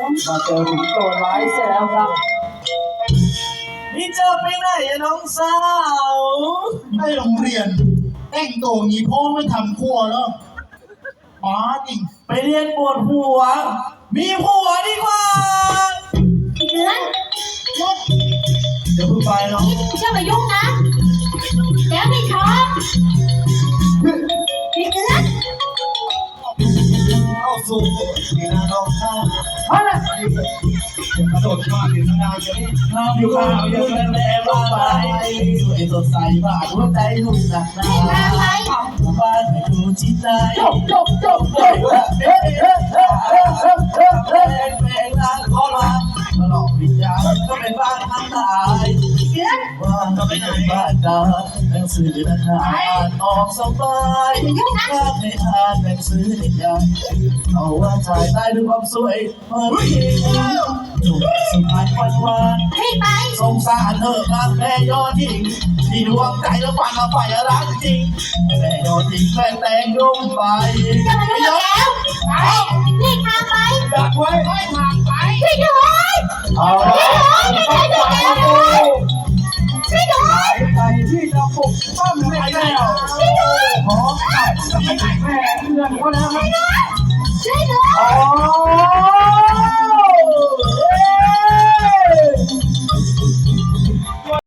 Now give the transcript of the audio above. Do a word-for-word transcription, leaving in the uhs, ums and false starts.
มาเจอถึงตัวร้ายเสียแล้วครับนี่เจอไปไหนอะน้องสาวในโรงเรียนแต่งตัวงี้พ่อไม่ทำครัวแล้วหมาจริงไปเรียนปวดหัวมีผัวดีกว่าเดือนเดี๋ยวเพิ่งไปเนาะเชื่อมายุ่งนะแล้วไม่ชอบพี่เดือนเข้าสู่นี่นะน้องข้ามาเลยกระโดดมาถึงนานจะได้น้องอยู่ข้าวเยอะแม่บ้าไปสวยสดใสบ้าหัวใจลุ่มหนักหนาบ้านไม่ดูจิตใจจบจบจบจบเอ๊ะเอ๊ะเอ๊ะเอ๊ะเอ๊ะเอ๊ะเอ๊ะเอ๊ะลางขอลาตลอดวิญญาณก็เป็นบ้านทางตายว่าก็ไม่ได้บ้านดาหนังสือนักอ่านออกสบายถ้าให้อ่านหนังสือนิยายเอาว่าถ่ายได้ด้วยความสวยเมื่อกี้หนุ่มสุดท้ายวันวานสงสารเธอครับแม่ยอดหญิงที่ดวงใจแล้วฝันเราไปรักจริงแม่ยอดหญิงแม่แต่งรุ่งไปจะมาดูแล้วไปรีบทางไปดักไว้ให้ทางไปช่วยด้วยเอาช่วยด้วยช่วยด้วยช่วยด้วยใจที่จะปลุกปั้มให้แมวช่วยด้วยหอมกัดจะไม่ไหนแม่เพื่อนเขาแล้วไหมช่วยด้วยอ๋อ